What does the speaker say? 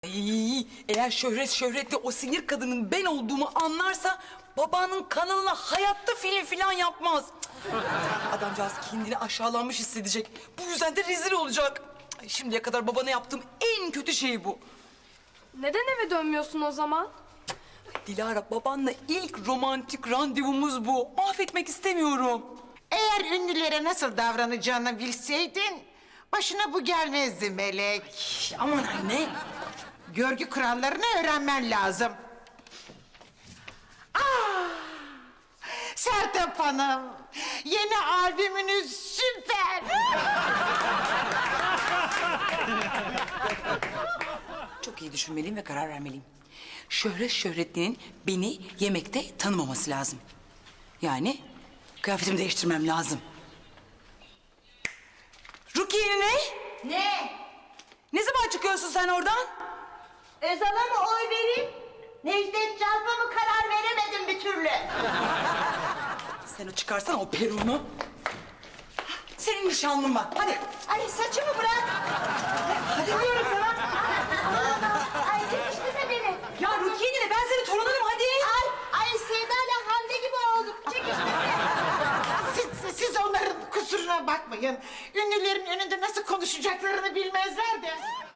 Ay, eğer şöhretli o sinir kadının ben olduğumu anlarsa babanın kanalına hayatta film filan yapmaz. Adamcağız kendini aşağılanmış hissedecek. Bu yüzden de rezil olacak. Ay, şimdiye kadar babana yaptığım en kötü şey bu. Neden eve dönmüyorsun o zaman? Dilara, babanla ilk romantik randevumuz bu. Mahvetmek istemiyorum. Eğer ünlülere nasıl davranacağını bilseydin... ...başına bu gelmezdi Melek. Aman anne. Görgü kurallarını öğrenmen lazım. Sertap Hanım, yeni albümünüz süper. Çok iyi düşünmeliyim ve karar vermeliyim. Şöhretlinin beni yemekte tanımaması lazım. Yani kıyafetimi değiştirmem lazım. Rukiye ne? Ne? Ne zaman çıkıyorsun sen oradan? Özal'a mı oy vereyim? Necdet Can'la mı karar veremedim bir türlü? Sen o çıkarsan o peruğunu. Senin nişanlın var. Hadi. Ay saçımı bırak. Hadi diyorum sana. Ay çekiştirme beni. Ya Rukiye ne? Ben senin torununum hadi. Ay Sevda'yla Hande gibi olduk. Çekiştirme. Siz onların kusuruna bakmayın. Ünlülerin önünde nasıl konuşacaklarını bilmezler de.